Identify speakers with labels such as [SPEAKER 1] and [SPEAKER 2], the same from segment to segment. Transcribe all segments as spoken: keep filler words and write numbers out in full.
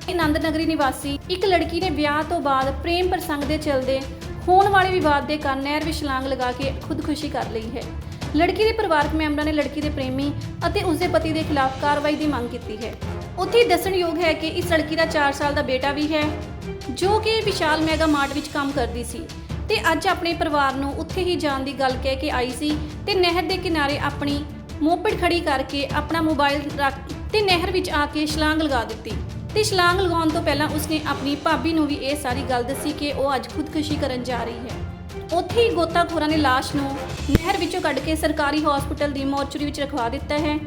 [SPEAKER 1] ਆਨੰਦ ਨਗਰੀ ਨਿਵਾਸੀ ਇੱਕ ਲੜਕੀ ਨੇ ਵਿਆਹ ਤੋਂ ਬਾਅਦ ਪ੍ਰੇਮ ਪ੍ਰਸੰਗ ਦੇ ਚਲਦੇ ਹੋਣ ਵਾਲੇ ਵਿਵਾਦ ਦੇ ਕਾਰਨ ਨਹਿਰ ਵਿੱਚ ਛਲਾਂਗ ਲਗਾ ਕੇ ਖੁਦਕੁਸ਼ੀ ਕਰ ਲਈ ਹੈ। ਲੜਕੀ ਦੇ ਪਰਿਵਾਰਕ ਮੈਂਬਰਾਂ ਨੇ ਲੜਕੀ ਦੇ ਪ੍ਰੇਮੀ ਅਤੇ ਉਸਦੇ ਪਤੀ ਦੇ ਖਿਲਾਫ ਕਾਰਵਾਈ ਦੀ ਮੰਗ ਕੀਤੀ ਹੈ। ਉੱਥੇ ਦੱਸਣਯੋਗ ਹੈ ਕਿ ਇਸ ਲੜਕੀ ਦਾ ਚਾਰ ਸਾਲ ਦਾ ਬੇਟਾ ਵੀ ਹੈ ਜੋ ਕਿ ਵਿਸ਼ਾਲ ਮੈਗਾ ਮਾਰਟ ਵਿੱਚ ਕੰਮ ਕਰਦੀ ਸੀ ਤੇ ਅੱਜ ਆਪਣੇ ਪਰਿਵਾਰ ਨੂੰ ਉੱਥੇ ਹੀ ਜਾਣ ਦੀ ਗੱਲ ਕਹਿ ਕੇ ਆਈ ਸੀ ਤੇ ਨਹਿਰ ਦੇ ਕਿਨਾਰੇ ਆਪਣੀ ਮੋਪੜ ਖੜੀ ਕਰਕੇ ਆਪਣਾ ਮੋਬਾਈਲ ਰੱਖ ਤੇ ਨਹਿਰ ਵਿੱਚ ਆ ਕੇ ਛਲਾਂਗ ਲਗਾ ਦਿੱਤੀ ਤੇ ਛਲਾਂਗ ਲਗਾਉਣ ਤੋਂ ਪਹਿਲਾਂ ਉਸਨੇ ਆਪਣੀ ਭਾਬੀ ਨੂੰ ਵੀ ਇਹ ਸਾਰੀ ਗੱਲ ਦੱਸੀ ਕਿ ਉਹ ਅੱਜ ਖੁਦਕੁਸ਼ੀ ਕਰਨ ਜਾ ਰਹੀ ਹੈ। ਉੱਥੇ ਹੀ ਗੋਤਾਖੋਰਾਂ ਨੇ ਲਾਸ਼ ਨੂੰ ਨਹਿਰ ਵਿੱਚੋਂ ਕੱਢ ਕੇ ਸਰਕਾਰੀ ਹਸਪਤਾਲ ਦੀ ਮੋਰਚਰੀ ਵਿੱਚ ਰਖਵਾ ਦਿੱਤਾ ਹੈ।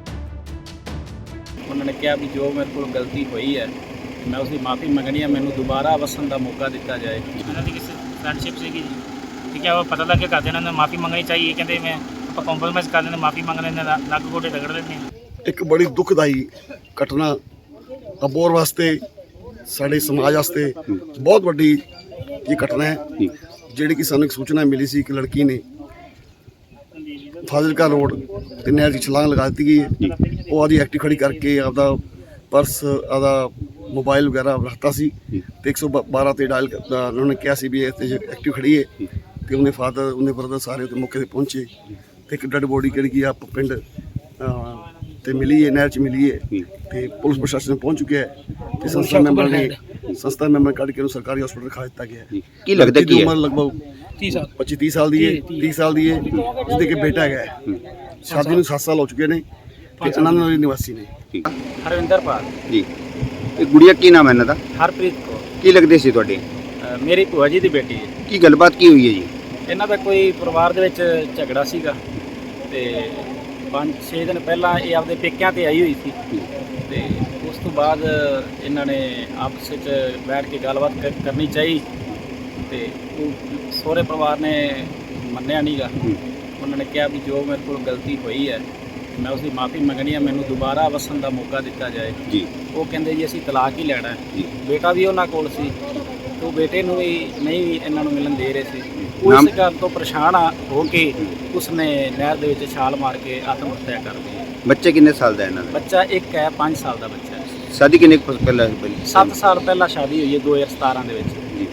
[SPEAKER 2] ਉਹਨਾਂ ਨੇ ਕਿਹਾ ਵੀ ਜੋ ਮੇਰੇ ਕੋਲ ਗਲਤੀ ਹੋਈ ਹੈ ਮੈਂ ਉਸ ਦੀ ਮਾਫੀ ਮੰਗਣੀ ਹੈ, ਮੈਨੂੰ ਦੁਬਾਰਾ ਵਸਣ ਦਾ ਮੌਕਾ ਦਿੱਤਾ ਜਾਏ।
[SPEAKER 3] ਇਹਨਾਂ ਦੀ ਕਿਸੇ ਫਰੈਂਡਸ਼ਿਪ ਸੀਗੀ ਜੀ, ਠੀਕ ਹੈ, ਉਹ ਪਤਾ ਲੱਗ ਕੇ ਕਰਦੇ ਇਹਨਾਂ ਨੇ ਮਾਫੀ ਮੰਗਣੀ ਚਾਹੀਏ। ਕਹਿੰਦੇ ਮੈਂ ਆਪਾਂ ਕੰਪਰੋਮਾਈਜ਼ ਕਰ ਲੈਂਦੇ, ਮਾਫੀ ਮੰਗ ਲੈਂਦੇ, ਨੱਕ ਗੋਡੇ ਰਗੜ ਲੈਂਦੇ ਹਾਂ।
[SPEAKER 4] ਇੱਕ ਬੜੀ ਦੁਖਦਾਈ ਘਟਨਾ ਅਬੋਹਰ ਵਾਸਤੇ ਸਾਡੇ ਸਮਾਜ ਵਾਸਤੇ ਬਹੁਤ ਵੱਡੀ ਇਹ ਘਟਨਾ ਹੈ, ਜਿਹੜੀ ਕਿ ਸਾਨੂੰ ਇੱਕ ਸੂਚਨਾ ਮਿਲੀ ਸੀ ਕਿ ਲੜਕੀ ਨੇ ਫਾਜ਼ਿਲਕਾ ਰੋਡ ਤੇ ਨਹਿਰ 'ਚ ਛਲਾਂਗ ਲਗਾ ਦਿੱਤੀ ਗਈ ਹੈ। ਉਹ ਆਦੀ ਐਕਟਿਵ ਖੜੀ ਕਰਕੇ ਆਪਦਾ ਪਰਸ ਆਪਦਾ ਮੋਬਾਈਲ ਵਗੈਰਾ ਰੱਖਤਾ ਸੀ ਤੇ ਇੱਕ ਸੌ ਬਾਰਾਂ ਤੇ ਡਾਇਲ ਉਹਨਾਂ ਨੇ ਕਿਹਾ ਸੀ ਵੀ ਇਹ ਐਕਟਿਵ ਖੜੀ ਹੈ ਤੇ ਉਹਨੇ ਫਾਦਰ ਉਹਨੇ ਬਰਦਰ ਸਾਰੇ ਉੱਤੇ ਮੌਕੇ 'ਤੇ ਪਹੁੰਚੇ ਤੇ ਇੱਕ ਡੈਡ ਬੋਡੀ ਜਿਹੜੀ ਕਿ ਆਪ ਪਿੰਡ ਤੇ ਮਿਲੀ ਹੈ, ਨਹਿਰ 'ਚ ਮਿਲੀ ਹੈ ਤੇ ਪੁਲਿਸ ਪ੍ਰਸ਼ਾਸਨ ਪਹੁੰਚ ਚੁੱਕਿਆ ਹੈ ਤੇ ਸੰਸਥਾ ਮੈਂਬਰ ਨੇ ਸੰਸਥਾ ਮੈਂਬਰ ਕੱਢ ਕੇ ਉਹਨੂੰ ਸਰਕਾਰੀ ਹਸਪਤਾਲ ਰਖਾ ਦਿੱਤਾ ਗਿਆ ਹੈ।
[SPEAKER 5] ਕੀ ਲੱਗਦਾ ਕੀ
[SPEAKER 4] ਉਮਰ ਲਗਭਗ ਤੀਹ ਸਾਲ ਪੱਚੀ ਤੀਹ ਸਾਲ ਦੀ ਹੈ ਤੀਹ ਸਾਲ ਦੀ ਹੈ ਜਿਹਦੇ ਕਿ ਬੇਟਾ ਹੈਗਾ ਹੈ। ਸ਼ਾਦੀ ਨੂੰ ਸੱਤ ਸਾਲ ਹੋ ਚੁੱਕੇ ਨੇ ਤੇ ਆਨੰਦ ਨਗਰੀ ਨਿਵਾਸੀ ਨੇ।
[SPEAKER 2] ਹਰਵਿੰਦਰ ਪਾਲ
[SPEAKER 5] ਜੀ, ਇਹ ਗੁੜੀਆ ਕੀ ਨਾਮ ਹੈ ਇਹਨਾਂ ਦਾ?
[SPEAKER 2] ਹਰਪ੍ਰੀਤ ਕੌਰ
[SPEAKER 5] ਕੀ ਲੱਗਦੇ ਸੀ ਤੁਹਾਡੇ?
[SPEAKER 2] ਅ, ਮੇਰੀ ਭੂਆ ਜੀ ਦੀ ਬੇਟੀ ਹੈ।
[SPEAKER 5] ਕੀ ਗੱਲਬਾਤ ਕੀ ਹੋਈ ਹੈ ਜੀ?
[SPEAKER 2] ਇਹਨਾਂ ਦਾ ਕੋਈ ਪਰਿਵਾਰ ਦੇ ਵਿੱਚ ਝਗੜਾ ਸੀਗਾ ਤੇ ਪੰਜ ਛੇ ਦਿਨ ਪਹਿਲਾਂ ਇਹ ਆਪਦੇ ਪੇਕਿਆਂ ਤੇ ਆਈ ਹੋਈ ਸੀ ਤੇ ਉਸ ਤੋਂ ਬਾਅਦ ਇਹਨਾਂ ਨੇ ਆਪਸ ਵਿੱਚ ਬੈਠ ਕੇ ਗੱਲਬਾਤ ਕਰ- ਕਰਨੀ ਚਾਹੀ ਤੇ ਉਹ ਸਹੁਰੇ ਪਰਿਵਾਰ ਨੇ ਮੰਨਿਆ ਨਹੀਂਗਾ। ਉਹਨਾਂ ਨੇ ਕਿਹਾ ਵੀ ਜੋ ਮੇਰੇ ਕੋਲ ਗਲਤੀ ਹੋਈ ਹੈ ਮੈਂ ਉਸ ਦੀ ਮਾਫੀ ਮੰਗਣੀ ਹੈ, ਮੈਨੂੰ ਦੁਬਾਰਾ ਵਸਣ ਦਾ ਮੌਕਾ ਦਿੱਤਾ ਜਾਏ
[SPEAKER 5] ਜੀ।
[SPEAKER 2] ਉਹ ਕਹਿੰਦੇ ਜੀ ਅਸੀਂ ਤਲਾਕ ਹੀ ਲੈਣਾ ਹੈ।
[SPEAKER 5] ਜੀ।
[SPEAKER 2] ਬੇਟਾ ਵੀ ਉਹਨਾਂ ਕੋਲ ਸੀ ਤੇ ਉਹ ਬੇਟੇ ਨੂੰ ਵੀ ਨਹੀਂ ਇਹਨਾਂ ਨੂੰ ਮਿਲਣ ਦੇ ਰਹੇ ਸੀ। ਉਹ
[SPEAKER 5] ਨਾਮ-
[SPEAKER 2] ਇਸ ਗੱਲ ਤੋਂ ਪਰੇਸ਼ਾਨ ਆ ਹੋ ਕੇ ਉਸਨੇ ਨਹਿਰ ਦੇ ਵਿੱਚ ਛਾਲ ਮਾਰ ਕੇ ਆਤਮ ਹੱਤਿਆ ਕਰ ਲਈ।
[SPEAKER 5] ਬੱਚੇ ਕਿੰਨੇ ਸਾਲ ਦਾ ਇਹਨਾਂ ਦਾ?
[SPEAKER 2] ਬੱਚਾ ਇੱਕ ਹੈ, ਪੰਜ ਸਾਲ ਦਾ ਬੱਚਾ ਹੈ।
[SPEAKER 5] ਸ਼ਾਦੀ ਕਿੰਨੇ ਕੁ ਪਹਿਲਾਂ ਹੋਈ?
[SPEAKER 2] ਸੱਤ ਸਾਲ ਪਹਿਲਾਂ ਸ਼ਾਦੀ ਹੋਈ ਹੈ ਦੋ ਹਜ਼ਾਰ ਸਤਾਰਾਂ ਦੇ ਵਿੱਚ।
[SPEAKER 5] ਜੀ।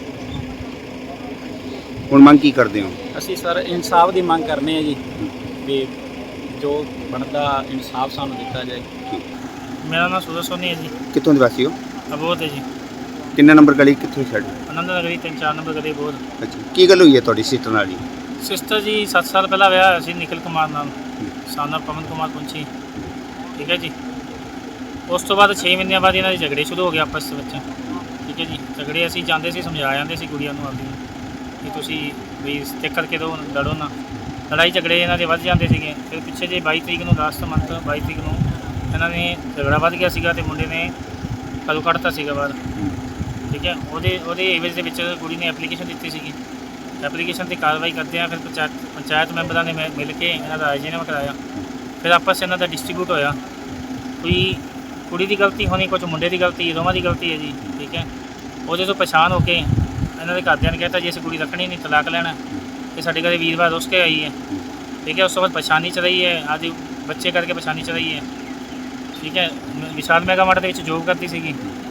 [SPEAKER 5] ਹੁਣ ਮੰਗ ਕੀ ਕਰਦੇ ਹੋ?
[SPEAKER 2] ਅਸੀਂ ਸਰ ਇਨਸਾਫ ਦੀ ਮੰਗ ਕਰਨੇ ਆ ਜੀ ਵੀ ਜੋ ਬਣਦਾ ਇਨਸਾਫ ਸਾਨੂੰ ਦਿੱਤਾ ਜਾਏ।
[SPEAKER 3] ਮੇਰਾ ਨਾਮ ਸੂਰਜ ਸੋਨੀ ਹੈ ਜੀ,
[SPEAKER 5] ਕਿੱਥੋਂ ਦੇ ਵਾਸੀ ਹੋ?
[SPEAKER 3] ਅਬੋਧ ਹੈ ਜੀ,
[SPEAKER 5] ਕਿੰਨਾ ਨੰਬਰ ਗਲੀ ਕਿੱਥੋਂ ਛੱਡ?
[SPEAKER 3] ਆਨੰਦ ਨਗਰੀ ਤਿੰਨ ਚਾਰ ਨੰਬਰ ਗਲੀ ਅਬੋਧ।
[SPEAKER 5] ਅੱਛਾ, ਕੀ ਗੱਲ ਹੋਈ ਹੈ ਤੁਹਾਡੀ ਸਿਸਟਰ ਨਾਲ ਜੀ?
[SPEAKER 3] ਸਿਸਟਰ ਜੀ ਸੱਤ ਸਾਲ ਪਹਿਲਾਂ ਵਿਆਹ ਹੋਇਆ ਸੀ ਨਿਖਿਲ ਕੁਮਾਰ ਨਾਲ, ਸਾਨਾ ਪਵਨ ਕੁਮਾਰ ਪੁੰਚੀ, ਠੀਕ ਹੈ ਜੀ। ਉਸ ਤੋਂ ਬਾਅਦ ਛੇ ਮਹੀਨਿਆਂ ਬਾਅਦ ਇਹਨਾਂ ਦੇ ਝਗੜੇ ਸ਼ੁਰੂ ਹੋ ਗਏ ਆਪਸ ਵਿੱਚ, ਠੀਕ ਹੈ ਜੀ। ਝਗੜੇ ਅਸੀਂ ਜਾਂਦੇ ਸੀ, ਸਮਝਾ ਜਾਂਦੇ ਸੀ ਕੁੜੀਆਂ ਨੂੰ ਆਪਦੀ ਨੂੰ ਕਿ ਤੁਸੀਂ ਵੀ ਸਟਿਕ ਕਰਕੇ ਦੋ, ਲੜੋ ਨਾ। ਲੜਾਈ ਝਗੜੇ ਇਹਨਾਂ ਦੇ ਵੱਧ ਜਾਂਦੇ ਸੀਗੇ। ਫਿਰ ਪਿੱਛੇ ਜੇ ਬਾਈ ਤਰੀਕ ਨੂੰ ਲਾਸਟ ਮੰਥ ਬਾਈ ਤਰੀਕ ਨੂੰ ਇਹਨਾਂ ਨੇ ਝਗੜਾ ਵੱਧ ਗਿਆ ਸੀਗਾ ਤੇ ਮੁੰਡੇ ਨੇ ਕਦੋਂ ਕੱਢਤਾ ਸੀਗਾ ਬਾਹਰ, ਠੀਕ ਹੈ। ਉਹਦੇ ਉਹਦੇ ਏਵਜ ਦੇ ਵਿੱਚ ਕੁੜੀ ਨੇ ਐਪਲੀਕੇਸ਼ਨ ਦਿੱਤੀ ਸੀਗੀ। ਐਪਲੀਕੇਸ਼ਨ 'ਤੇ ਕਾਰਵਾਈ ਕਰਦੇ ਆ ਫਿਰ ਪੰਚਾਇਤ ਪੰਚਾਇਤ ਮੈਂਬਰਾਂ ਨੇ ਮਿ- ਮਿਲ ਕੇ ਇਹਨਾਂ ਦਾ ਰਾਜੀਨਾਮਾ ਕਰਾਇਆ। ਫਿਰ ਆਪਸ 'ਚ ਇਹਨਾਂ ਦਾ ਡਿਸਟ੍ਰੀਬਿਊਟ ਹੋਇਆ। ਕੋਈ ਕੁੜੀ ਦੀ ਗਲਤੀ ਹੋਣੀ, ਕੁਝ ਮੁੰਡੇ ਦੀ ਗਲਤੀ, ਦੋਵਾਂ ਦੀ ਗਲਤੀ ਹੈ ਜੀ, ਠੀਕ ਹੈ। ਉਹਦੇ ਤੋਂ ਪਛਾਣ ਹੋ ਕੇ ਇਹਨਾਂ ਦੇ ਘਰਦਿਆਂ ਨੇ ਕਹਿਤਾ ਜੀ ਅਸੀਂ ਕੁੜੀ ਰੱਖਣੀ ਨਹੀਂ, ਤਲਾਕ ਲੈਣਾ। ਤੇ ਸਾਡੇ ਘਰੇ ਵੀਰਵਾਰ ਰੁੱਸ ਕੇ ਆਈ ਹੈ, ਠੀਕ ਹੈ। ਉਸ ਤੋਂ ਬਾਅਦ ਪਛਾਣੀ ਚ ਰਹੀ ਹੈ, ਅੱਜ ਬੱਚੇ ਕਰਕੇ ਪਛਾਣੀ ਚ ਰਹੀ ਹੈ, ਠੀਕ ਹੈ। ਵਿਸ਼ਾਲ ਮੈਗਾ ਮਾਰਟ ਦੇ ਵਿੱਚ ਜੋਬ ਕਰਦੀ ਸੀਗੀ,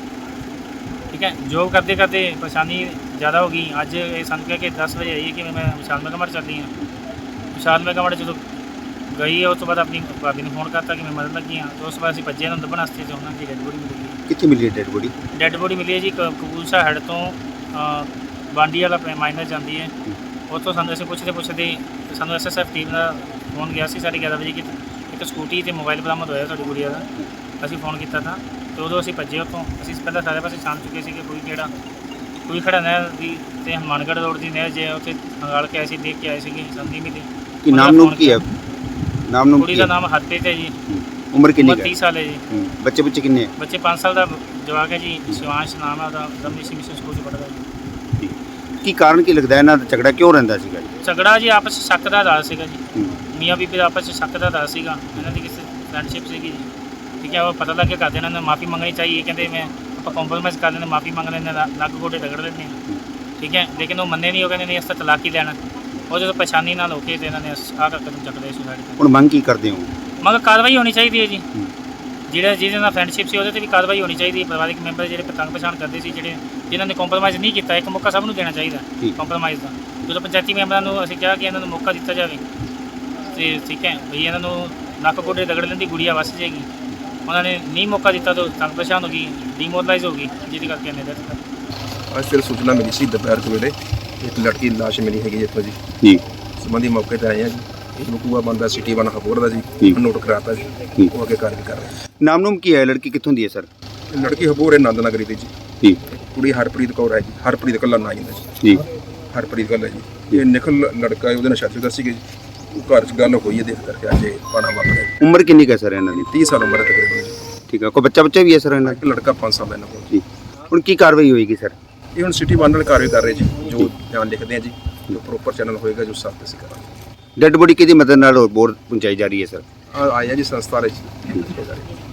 [SPEAKER 3] ਠੀਕ ਹੈ। ਜੋਬ ਕਰਦੇ ਕਰਦੇ ਪਛਾਣੀ ਜ਼ਿਆਦਾ ਹੋ ਗਈ। ਅੱਜ ਇਹ ਸਾਨੂੰ ਕਹਿ ਕੇ ਦਸ ਵਜੇ ਆਈ ਹੈ ਕਿ ਮੈਂ ਵਿਸ਼ਾਲ ਮੈਗਾ ਮਾਰਟ ਚੱਲੀ ਹਾਂ। ਵਿਸ਼ਾਲ ਮੈਗਾ ਮਾਰਟ ਜਦੋਂ ਗਈ ਹੈ ਉਸ ਤੋਂ ਬਾਅਦ ਆਪਣੀ ਭਾਬੀ ਨੂੰ ਫੋਨ ਕਰਤਾ ਕਿ ਮੈਂ ਮਰਨ ਲੱਗੀ ਹਾਂ। ਤੇ ਉਸ ਤੋਂ ਬਾਅਦ ਅਸੀਂ ਭੱਜੇ ਨੂੰ ਲੱਭਣ ਵਾਸਤੇ, ਉਹਨਾਂ ਦੀ ਡੈਡ ਬੋਡੀ ਮਿਲੀ ਹੈ।
[SPEAKER 5] ਕਿੱਥੇ ਮਿਲੀ ਡੈਡ ਬੋਡੀ?
[SPEAKER 3] ਡੈਡ ਬੋਡੀ ਮਿਲੀ ਹੈ ਜੀ ਕਪੂਰਥਲਾ ਹੈਡ ਤੋਂ ਬਾਂਡੀ ਵਾਲਾ ਮਾਈਨਰ ਜਾਂਦੀ ਹੈ, ਉੱਥੋਂ ਸਾਨੂੰ ਅਸੀਂ ਪੁੱਛਦੇ ਪੁੱਛਦੇ ਸਾਨੂੰ ਐਸ ਐਸ ਐਫ ਟੀਮ ਦਾ ਫੋਨ ਗਿਆ ਸੀ ਸਾਢੇ ਗਿਆਰਾਂ ਵਜੇ ਕਿ ਇੱਕ ਸਕੂਟੀ ਅਤੇ ਮੋਬਾਈਲ ਬਰਾਮਦ ਹੋਇਆ ਸਾਡੀ ਗੁੜੀਆ ਦਾ। ਅਸੀਂ ਫੋਨ ਕੀਤਾ ਤਾਂ ਅਤੇ ਉਦੋਂ ਅਸੀਂ ਭੱਜੇ ਉੱਥੋਂ। ਅਸੀਂ ਪਹਿਲਾਂ ਸਾਰੇ ਪਾਸੇ ਛਾਣ ਚੁੱਕੇ ਸੀ ਕਿ ਕੋਈ ਕਿਹੜਾ ਕੋਈ ਖੜਾ ਨਹਿਰ ਦੀ ਅਤੇ ਹਨੂੰਮਾਨਗੜ੍ਹ ਰੋਡ ਦੀ ਨਹਿਰ ਜੇ ਉੱਥੇ ਹੰਗਾਲ ਕੇ ਆਏ ਸੀ, ਦੇਖ ਕੇ ਆਏ ਸੀਗੇ, ਸਾਨੂੰ ਨਹੀਂ ਮਿਲੀ।
[SPEAKER 5] ਕੀ ਨਾਮ ਨੂੰ ਕੀ ਹੈ? ਨਾਮ ਨੂੰ
[SPEAKER 3] ਕੁੜੀ ਦਾ ਨਾਮ ਹਰਪ੍ਰੀਤ ਹੈ ਜੀ,
[SPEAKER 5] ਉਮਰ ਕਿੰਨੀ ਹੈ?
[SPEAKER 3] ਤੀਹ ਸਾਲ ਹੈ ਜੀ।
[SPEAKER 5] ਬੱਚੇ ਬੱਚੇ ਕਿੰਨੇ?
[SPEAKER 3] ਬੱਚੇ ਪੰਜ ਸਾਲ ਦਾ ਜਵਾਕ ਹੈ ਜੀ, ਸ਼ਿਵਾਂਸ਼ ਨਾਮ ਹੈ ਉਹਦਾ, ਦਮਨੀ ਸੀ ਮਿਸ਼ਨ ਸਕੂਲ 'ਚ ਪੜ੍ਹਦਾ ਜੀ।
[SPEAKER 5] ਕੀ ਕਾਰਨ ਕੀ ਲੱਗਦਾ ਇਹਨਾਂ ਦਾ ਝਗੜਾ ਕਿਉਂ ਰਹਿੰਦਾ ਸੀਗਾ ਜੀ?
[SPEAKER 3] ਝਗੜਾ ਜੀ ਆਪਸ 'ਚ ਸ਼ੱਕ ਦਾ ਦਾਸ ਸੀਗਾ ਜੀ, ਮੀਆਂ ਬੀਬੀ ਦਾ ਆਪਸ 'ਚ ਸ਼ੱਕ ਦਾ ਦਾਸ ਸੀਗਾ। ਇਹਨਾਂ ਦੀ ਕਿਸੇ ਫਰੈਂਡਸ਼ਿਪ ਸੀਗੀ ਜੀ, ਠੀਕ ਹੈ। ਉਹ ਪਤਾ ਲੱਗ ਕੇ ਕਰਦੇ ਇਹਨਾਂ ਨੇ ਮਾਫੀ ਮੰਗਣੀ ਚਾਹੀਏ। ਕਹਿੰਦੇ ਮੈਂ ਆਪਾਂ ਕੰਪਰੋਮਾਈਜ਼ ਕਰ ਲੈਂਦੇ, ਮਾਫੀ ਮੰਗ ਲੈਂਦੇ, ਨੱਕ ਗੋਡੇ ਰਗੜ ਲੈਂਦੇ ਹਾਂ, ਠੀਕ ਹੈ। ਲੇਕਿਨ ਉਹ ਮੰਨੇ ਨਹੀਂ, ਉਹ ਕਹਿੰਦੇ ਨਹੀਂ ਅਸੀਂ ਤਾਂ ਤਲਾਕ ਹੀ ਲੈਣਾ। ਉਹ ਜਦੋਂ ਪਛਾਣੀ ਨਾਲ ਹੋ ਕੇ ਤੇ ਇਹਨਾਂ ਨੇ ਆਹ ਕਦਮ ਚੱਕ ਲਏ ਸੁਸਾਈਡ।
[SPEAKER 5] ਹੁਣ ਮੰਗ ਕੀ ਕਰਦੇ ਹੋ?
[SPEAKER 3] ਮਗਰ ਕਾਰਵਾਈ ਹੋਣੀ ਚਾਹੀਦੀ ਹੈ ਜੀ। ਜਿਹੜਾ ਜਿਹਦੇ ਨਾਲ ਫਰੈਂਡਸ਼ਿਪ ਸੀ ਉਹਦੇ ਤੇ ਵੀ ਕਾਰਵਾਈ ਹੋਣੀ ਚਾਹੀਦੀ ਹੈ। ਪਰਿਵਾਰਿਕ ਮੈਂਬਰ ਜਿਹੜੇ ਪਤੰਗ ਪਛਾਣ ਕਰਦੇ ਸੀ, ਜਿਹੜੇ ਜਿਨ੍ਹਾਂ ਨੇ ਕੰਪਰੋਮਾਈਜ਼ ਨਹੀਂ ਕੀਤਾ, ਇੱਕ ਮੌਕਾ ਸਭ ਨੂੰ ਦੇਣਾ ਚਾਹੀਦਾ
[SPEAKER 5] ਠੀਕ।
[SPEAKER 3] ਕੰਪਰੋਮਾਈਜ਼ ਦਾ। ਜਦੋਂ ਪੰਚਾਇਤੀ ਮੈਂਬਰਾਂ ਨੂੰ ਅਸੀਂ ਕਿਹਾ ਕਿ ਇਹਨਾਂ ਨੂੰ ਮੌਕਾ ਦਿੱਤਾ ਜਾਵੇ ਤੇ ਠੀਕ ਹੈ ਵੀ ਇਹਨਾਂ ਨੂੰ ਨੱਕ ਗੋਡੇ ਰਗੜ ਲੈਣ ਦੀ ਗੁੜੀਆ ਵਸ ਜਾਏਗੀ, ਉਹਨਾਂ ਨੇ ਨਹੀਂ ਮੌਕਾ ਦਿੱਤਾ ਤਾਂ ਤੰਗ ਪਛਾਣ ਹੋ ਗਈ, ਡੀਮੋਰਲਾਈਜ਼ ਹੋ ਗਈ, ਜਿਹਦੇ ਕਰਕੇ ਇਹਨੇ ਡੈਥ ਕਰ ਦਿੱਤੀ।
[SPEAKER 6] ਅੱਜ ਫਿਰ ਸੂਚਨਾ ਮਿਲੀ ਸੀ ਦੁਪਹਿਰ ਦੇ ਵੇਲੇ ਇੱਕ ਲੜਕੀ ਦੀ ਲਾਸ਼ ਮਿਲੀ ਹੈਗੀ ਇੱਥੋਂ ਜੀ।
[SPEAKER 5] ਜੀ
[SPEAKER 6] ਸੰਬੰਧੀ ਮੌਕੇ ਤੇ ਆਏ ਆ ਜੀ। ਇਹ ਬਕੂਆ ਬੰਦਾ ਸਿਟੀ ਵਨ ਹਬੋਰ ਦਾ ਜੀ,
[SPEAKER 5] ਠੀਕ।
[SPEAKER 6] ਨੋਟ ਕਰਾਤਾ ਜੀ,
[SPEAKER 5] ਠੀਕ।
[SPEAKER 6] ਉਹ ਅੱਗੇ ਕਾਰਵਾਈ ਕਰ ਰਹੇ
[SPEAKER 5] ਨਾਮ ਨੂਮ ਕੀ ਹੈ, ਲੜਕੀ ਕਿੱਥੋਂ ਦੀ ਹੈ ਸਰ?
[SPEAKER 6] ਆ। ਲੜਕੀ ਹਬੋਰ ਹੈ ਆਨੰਦ ਨਗਰੀ ਦੀ ਜੀ।
[SPEAKER 5] ਠੀਕ
[SPEAKER 6] ਕੁੜੀ ਹਰਪ੍ਰੀਤ ਕੌਰ ਹੈ ਜੀ, ਹਰਪ੍ਰੀਤ ਕੱਲਾ ਨਾਂ ਜਾਂਦਾ ਜੀ,
[SPEAKER 5] ਜੀ
[SPEAKER 6] ਹਰਪ੍ਰੀਤ ਕੱਲਾ ਜੀ। ਇਹ ਨਿਖਲ ਲੜਕਾ ਹੈ, ਉਹਦੇ ਨਾਲ ਸ਼ਾਦੀ ਦਾ ਸੀਗੇ ਜੀ। ਉਹ ਘਰ 'ਚ ਗੱਲ ਹੋਈ ਹੈ, ਦੇਖ ਕਰਕੇ ਅੱਜ ਇਹ ਪਾਣਾ ਵਾਪਰਿਆ।
[SPEAKER 5] ਉਮਰ ਕਿੰਨੀ ਕੁ ਹੈ ਸਰ ਇਹਨਾਂ ਦੀ?
[SPEAKER 6] ਤੀਹ ਸਾਲ ਉਮਰ ਹੈ ਤਕਰੀਬਨ ਜੀ।
[SPEAKER 5] ਠੀਕ ਹੈ, ਕੋਈ ਬੱਚਾ ਬੱਚਾ ਵੀ ਹੈ ਸਰ ਇਹਨਾਂ ਦਾ?
[SPEAKER 6] ਇੱਕ ਲੜਕਾ ਪੰਜ ਸਾਲ ਦਾ ਇਹਨਾਂ ਕੋਲ।
[SPEAKER 5] ਜੀ ਹੁਣ ਕੀ ਕਾਰਵਾਈ ਹੋਏਗੀ ਸਰ?
[SPEAKER 6] ਇਹ ਹੁਣ ਸਿਟੀ ਵਨ ਨਾਲ ਕਾਰਵਾਈ ਕਰ ਰਹੇ ਜੀ, ਜੋ ਬਿਆਨ ਲਿਖਦੇ ਆ ਜੀ, ਜੋ ਪ੍ਰੋਪਰ ਚੈਨਲ ਹੋਏਗਾ ਜੋ ਸਾਥ ਅਸੀਂ ਕਰਾਂਗੇ।
[SPEAKER 5] ਡੈੱਡ ਬੋਡੀ ਕਿਹਦੀ ਮਦਦ ਨਾਲ ਹੋਰ ਪਹੁੰਚਾਈ ਜਾ ਰਹੀ ਹੈ ਸਰ?
[SPEAKER 6] ਆ ਆਇਆ ਜੀ ਸੰਸਥਾ ਵਾਲੇ ਜੀ।